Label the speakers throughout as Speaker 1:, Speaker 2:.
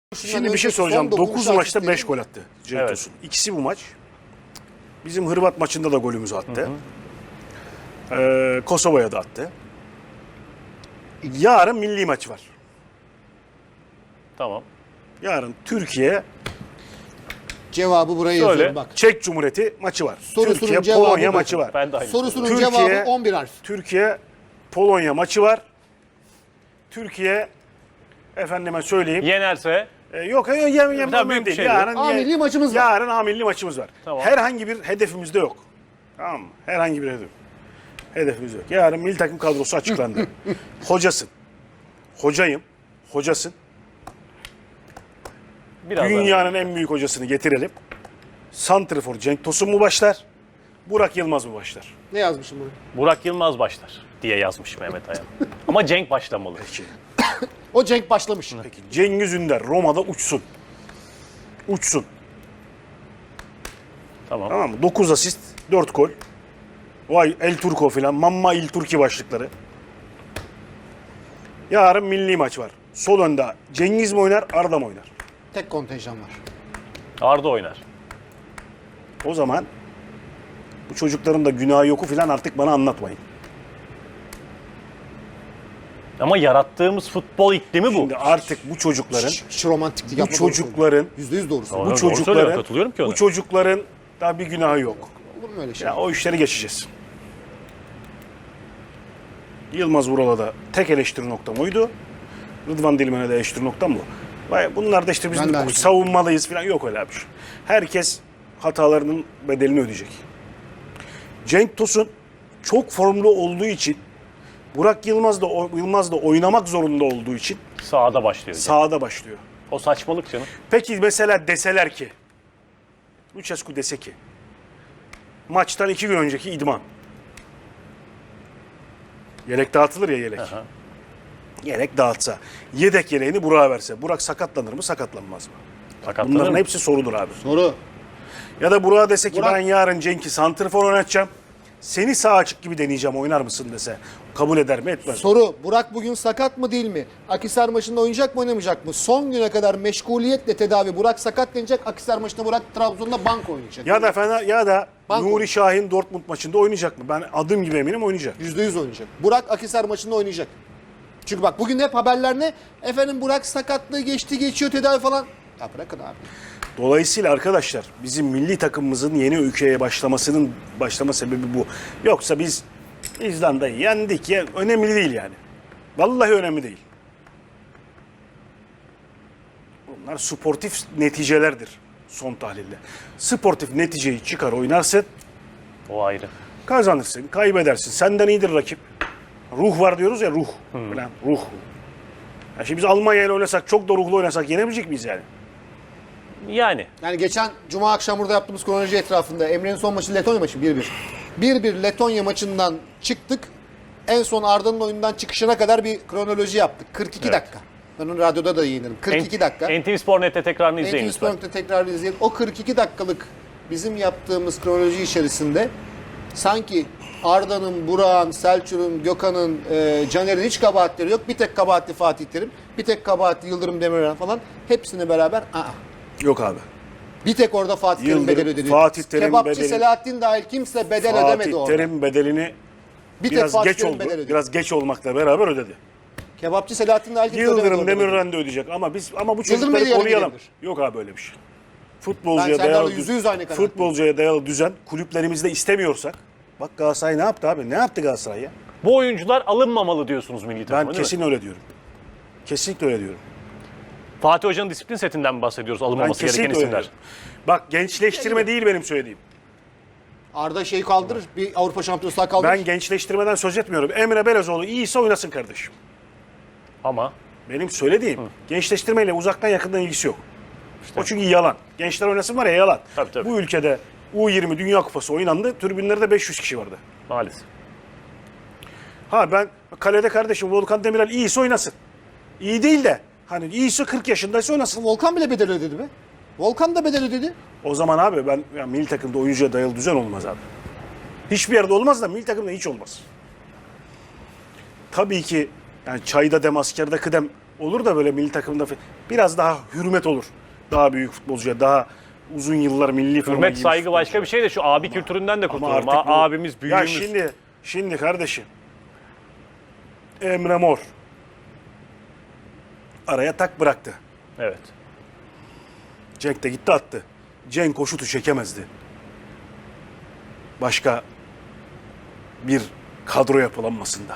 Speaker 1: Şimdi bir şey soracağım. 9 maçta 5 gol attı Cenk Tosun. İkisi bu maç. Bizim Hırvat maçında da golümüzü attı. Kosova'ya da attı. Yarın milli maç var.
Speaker 2: Tamam.
Speaker 1: Yarın Türkiye,
Speaker 3: Cevabı buraya yazıyorum bak.
Speaker 1: Çek Cumhuriyeti maçı var.
Speaker 3: Sorusunun
Speaker 1: Türkiye,
Speaker 3: cevabı
Speaker 1: Polonya
Speaker 3: bakın.
Speaker 1: maçı var.
Speaker 2: Ben de aynı.
Speaker 3: Sorusunun
Speaker 1: Türkiye-
Speaker 3: cevabı 11 harf.
Speaker 1: Türkiye, Polonya maçı var. Türkiye, efendime söyleyeyim.
Speaker 2: Yenerse
Speaker 1: Yok,
Speaker 2: Tabii büyük bir
Speaker 1: değil.
Speaker 2: şey
Speaker 1: Yarın,
Speaker 3: A milli maçımız var.
Speaker 1: Yarın A milli maçımız var.
Speaker 2: Tamam.
Speaker 1: Herhangi bir hedefimiz de yok. Tamam mı? Herhangi bir hedefimiz yok. Yarın milli takım kadrosu açıklandı. Hocasın. Hocayım. Hocasın.
Speaker 2: biraz
Speaker 1: Dünyanın en büyük hocasını getirelim. Santrifor Cenk Tosun mu başlar? Burak Yılmaz mı başlar?
Speaker 3: Ne yazmışım bunu?
Speaker 2: Burak Yılmaz başlar diye yazmış Mehmet Ayan. Ama Cenk başlamalı.
Speaker 1: Peki.
Speaker 3: O Cenk başlamış.
Speaker 1: Peki. Cengiz Ünder Roma'da uçsun. Uçsun.
Speaker 2: Tamam.
Speaker 1: Tamam mı? 9 asist, 4 gol. Vay El Turco filan. Mamma Il Turki başlıkları. Yarın milli maç var. Sol önde Cengiz mi oynar, Arda mı oynar?
Speaker 3: Tek kontenjan var.
Speaker 2: Arda oynar.
Speaker 1: O zaman bu çocukların da günahı yoku filan artık bana anlatmayın.
Speaker 2: Ama yarattığımız futbol iklimi bu.
Speaker 1: Şimdi artık bu çocukların
Speaker 3: Hiç romantiklik
Speaker 1: bu
Speaker 3: yapma.
Speaker 1: çocukların
Speaker 3: %100 doğrusu.
Speaker 2: Doğru.
Speaker 3: Olur
Speaker 1: bu
Speaker 2: söylüyorum,
Speaker 1: çocukların
Speaker 2: katılıyorum ki ona.
Speaker 1: bu çocukların daha bir günahı yok.
Speaker 3: mu öyle şey?
Speaker 1: Ya o işleri geçeceğiz. Yılmaz Vural'a da tek eleştiri noktam oydu. Rıdvan Dilmen'e de eleştiri noktam bu. Vay, bunlar da işte biz
Speaker 3: Ben de aynı.
Speaker 1: savunmalıyız falan, yok öyle bir şey. Herkes hatalarının bedelini ödeyecek. Cenk Tosun çok formlu olduğu için, Burak Yılmaz da oynamak zorunda olduğu için
Speaker 2: Sağda başlıyor.
Speaker 1: sahada başlıyor.
Speaker 2: O saçmalık canım.
Speaker 1: Peki mesela deseler ki, Lucescu dese ki, maçtan 2 gün önceki idman. Yelek dağıtılır ya, yelek.
Speaker 2: Aha.
Speaker 1: Yelek dağıtsa, yedek yeleğini Burak'a verse, Burak sakatlanır mı, sakatlanmaz mı?
Speaker 2: Sakatlanır
Speaker 1: Bunların
Speaker 2: mı?
Speaker 1: hepsi sorudur abi.
Speaker 3: Soru.
Speaker 1: Ya da Burak'a dese ki
Speaker 3: Burak-
Speaker 1: ben yarın Cenk'i santrfor oynatacağım, seni sağ açık gibi deneyeceğim, oynar mısın dese, kabul eder mi, etmez mi?
Speaker 3: Soru. Burak bugün sakat mı değil mi? Akhisar maçında oynayacak mı oynamayacak mı? Son güne kadar meşguliyetle tedavi. Burak sakat denecek. Akhisar maçında Burak Trabzon'da bank oynayacak.
Speaker 1: Ya da
Speaker 3: Banko.
Speaker 1: Nuri Şahin Dortmund maçında oynayacak mı? Ben adım gibi eminim oynayacak.
Speaker 3: %100 oynayacak. Burak Akhisar maçında oynayacak. Çünkü bak bugün hep haberler ne? Efendim Burak sakatlığı geçti, geçiyor tedavi falan. Ya bırakın abi.
Speaker 1: Dolayısıyla arkadaşlar bizim milli takımımızın yeni ülkeye başlama sebebi bu. Yoksa biz İzlanda'yı yendik ya, önemli değil yani. Vallahi önemli değil. Bunlar sportif neticelerdir son tahlilde. Sportif neticeyi çıkar oynarsın,
Speaker 2: O ayrı.
Speaker 1: kazanırsın, kaybedersin. Senden iyidir rakip. Ruh var diyoruz ya, ruh. Falan, ruh. Ya şimdi biz Almanya ile oynasak, çok da ruhlu oynasak yenebilecek miyiz yani?
Speaker 2: Yani.
Speaker 3: Yani geçen Cuma akşam burada yaptığımız kronoloji etrafında Emre'nin son maçı Letonya maçı 1-1. 1-1 Letonya maçından çıktık. En son Arda'nın oyundan çıkışına kadar bir kronoloji yaptık. 42
Speaker 2: Evet.
Speaker 3: dakika. Ben onu radyoda da yayınladım. 42 dakika.
Speaker 2: NTV Spor.net'te tekrarını izleyin
Speaker 3: NTV
Speaker 2: lütfen.
Speaker 3: Spor'da tekrar izleyelim. O 42 dakikalık bizim yaptığımız kronoloji içerisinde sanki Arda'nın, Burak'ın, Selçuk'un, Gökhan'ın, Caner'in hiç kabahatleri yok. Bir tek kabahatli Fatih Terim, bir tek kabahatli Yıldırım Demirören falan. Hepsini beraber
Speaker 1: Yok abi.
Speaker 3: bir tek orada Fatih Terim
Speaker 1: Yıldırım,
Speaker 3: bedel ödedi.
Speaker 1: Fatih Terim
Speaker 3: Kebapçı
Speaker 1: bedeli-
Speaker 3: Selahattin dahil kimse bedel ödemedi
Speaker 1: Fatih
Speaker 3: orada.
Speaker 1: Terim bedelini
Speaker 3: Bir tek
Speaker 1: biraz
Speaker 3: Fatih
Speaker 1: geç
Speaker 3: Terim
Speaker 1: oldu.
Speaker 3: bedel ödedi.
Speaker 1: Biraz geç olmakla beraber ödedi.
Speaker 3: Kebapçı Selahattin dahil kimse ödemedi
Speaker 1: Yıldırım
Speaker 3: orada bedeli.
Speaker 1: Demirören de ödeyecek ama bu
Speaker 3: Yıldırım
Speaker 1: çocukları
Speaker 3: Bey yarın
Speaker 1: koruyalım.
Speaker 3: gidebilir.
Speaker 1: Yok abi öyle bir şey.
Speaker 3: Ben
Speaker 1: Futbolcuya
Speaker 3: Serdar'la
Speaker 1: dayalı
Speaker 3: %100 aynı kanaatteyim.
Speaker 1: futbolcuya dayalı düzen kulüplerimizde istemiyorsak, bak Galatasaray ne yaptı abi? Ne yaptı Galatasaray ya?
Speaker 2: Bu oyuncular alınmamalı diyorsunuz milli takıma,
Speaker 1: Ben
Speaker 2: değil mi?
Speaker 1: kesin öyle diyorum. Kesinlikle öyle diyorum.
Speaker 2: Fatih Hoca'nın disiplin setinden mi bahsediyoruz
Speaker 1: Ben
Speaker 2: alınmaması gereken
Speaker 1: kesinlikle öyle
Speaker 2: isimler?
Speaker 1: diyorum. Bak gençleştirme değil benim söylediğim.
Speaker 3: Arda şeyi kaldırır, bir Avrupa Şampiyonası daha kaldırır.
Speaker 1: Ben gençleştirmeden söz etmiyorum. Emre Belözoğlu iyiyse oynasın kardeşim.
Speaker 2: Ama
Speaker 1: Benim söylediğim gençleştirmeyle uzaktan yakından ilgisi yok. O çünkü yalan. Gençler oynasın var ya, yalan.
Speaker 2: Tabii.
Speaker 1: Bu ülkede U20 Dünya Kupası oynandı. Tribünlerde 500 kişi vardı.
Speaker 2: maalesef.
Speaker 1: Ha ben kalede kardeşim Volkan Demirel iyiyse oynasın. İyi değil de hani iyiyse 40 yaşındaysa oynasın.
Speaker 3: Volkan bile bedel ödedi be. Volkan da bedel ödedi.
Speaker 1: O zaman abi milli takımda oyuncuya dayalı düzen olmaz abi. Hiçbir yerde olmaz da milli takımda hiç olmaz. Tabii ki yani çayda dem askerde kıdem olur da böyle milli takımda biraz daha hürmet olur. Daha büyük futbolcuya, daha uzun yıllar milli forma
Speaker 2: Hürmet
Speaker 1: giymiş
Speaker 2: saygı başka
Speaker 1: futbolcuya.
Speaker 2: bir şey de şu abi kültüründen de
Speaker 1: Ama
Speaker 2: kurtulalım.
Speaker 1: artık bu-
Speaker 2: Abimiz,
Speaker 1: Ya
Speaker 2: büyüğümüz.
Speaker 1: şimdi kardeşim. Emre Mor araya tak bıraktı.
Speaker 2: Evet.
Speaker 1: Cenk de gitti attı. Cenk o şutu çekemezdi. Başka bir kadro yapılanmasında.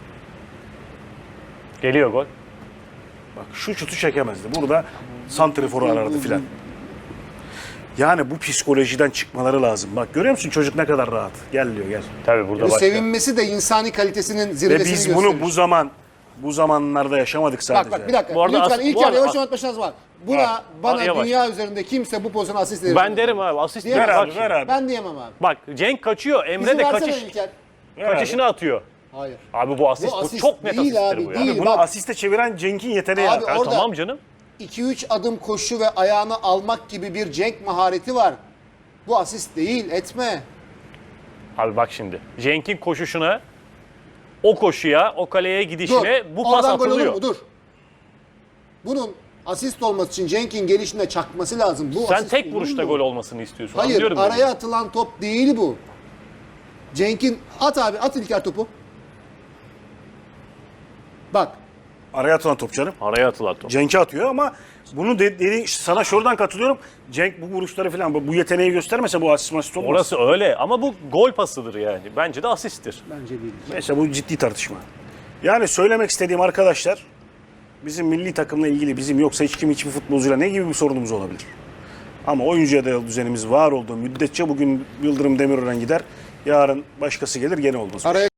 Speaker 2: Geliyor gol.
Speaker 1: Bak şu şutu çekemezdi. Burada santriforu arardı filan. Yani bu psikolojiden çıkmaları lazım. Bak görüyor musun çocuk ne kadar rahat. Gel diyor gel.
Speaker 2: Tabii burada
Speaker 3: Bu
Speaker 2: başka.
Speaker 3: sevinmesi de insani kalitesinin
Speaker 1: Ve
Speaker 3: zirvesini
Speaker 1: biz
Speaker 3: gösterir.
Speaker 1: bunu bu zamanlarda yaşamadık sadece.
Speaker 3: Bak bir dakika.
Speaker 2: Bu arada
Speaker 3: Lütfen
Speaker 2: as-
Speaker 3: ilk
Speaker 2: bu
Speaker 3: yarı
Speaker 2: arada
Speaker 3: yavaş
Speaker 2: as-
Speaker 3: oynatma şansı var.
Speaker 1: Ha.
Speaker 3: Bana
Speaker 2: Yavaş.
Speaker 3: dünya üzerinde kimse bu pozisyona asist verir.
Speaker 2: Ben derim abi asist
Speaker 3: Ver
Speaker 1: Ver
Speaker 2: bak
Speaker 1: abi
Speaker 2: şimdi.
Speaker 1: ver abi.
Speaker 3: Ben diyemem abi.
Speaker 2: Bak Cenk kaçıyor. Emre
Speaker 3: İzin
Speaker 2: de
Speaker 3: versene İlker.
Speaker 1: Ver abi.
Speaker 2: kaçışını atıyor.
Speaker 3: Hayır.
Speaker 2: Abi bu asist,
Speaker 3: Bu
Speaker 2: bu
Speaker 3: asist
Speaker 2: çok net
Speaker 3: değil
Speaker 2: asisttir
Speaker 3: abi,
Speaker 2: bu ya.
Speaker 3: değil.
Speaker 1: Bunu
Speaker 3: Bak.
Speaker 1: asiste çeviren Cenk'in yeteneği.
Speaker 3: Abi
Speaker 1: ya.
Speaker 3: orada-
Speaker 2: Tamam canım.
Speaker 3: 2-3 adım koşu ve ayağını almak gibi bir Cenk mahareti var. Bu asist değil, etme.
Speaker 2: Abi bak şimdi. Cenk'in koşuşuna, o koşuya, o kaleye
Speaker 3: Dur.
Speaker 2: gidişine bu pas
Speaker 3: Oradan gol olur
Speaker 2: atılıyor.
Speaker 3: mu? Dur. Bunun asist olması için Cenk'in gelişine çakması lazım. Bu
Speaker 2: Sen
Speaker 3: asist
Speaker 2: tek
Speaker 3: olur
Speaker 2: vuruşta
Speaker 3: mu?
Speaker 2: gol olmasını istiyorsun.
Speaker 3: Hayır,
Speaker 2: Anlıyorum
Speaker 3: araya
Speaker 2: seni.
Speaker 3: atılan top değil bu. Cenk'in at abi, at İlker topu. Bak,
Speaker 1: Araya atılan top canım.
Speaker 2: Araya atılan top.
Speaker 1: Cenk'e atıyor ama bunu dediğin sana şuradan katılıyorum. Cenk bu vuruşları falan bu yeteneği göstermese bu asist masist olmaz.
Speaker 2: Orası öyle ama bu gol pasıdır yani. Bence de asisttir.
Speaker 3: bence değil.
Speaker 1: Neyse bu ciddi tartışma. Yani söylemek istediğim arkadaşlar bizim milli takımla ilgili bizim yoksa hiçbir futbolcuyla ne gibi bir sorunumuz olabilir. Ama oyuncuya dayalı düzenimiz var olduğu müddetçe bugün Yıldırım Demirören gider. Yarın başkası gelir gene olmaz.
Speaker 3: Araya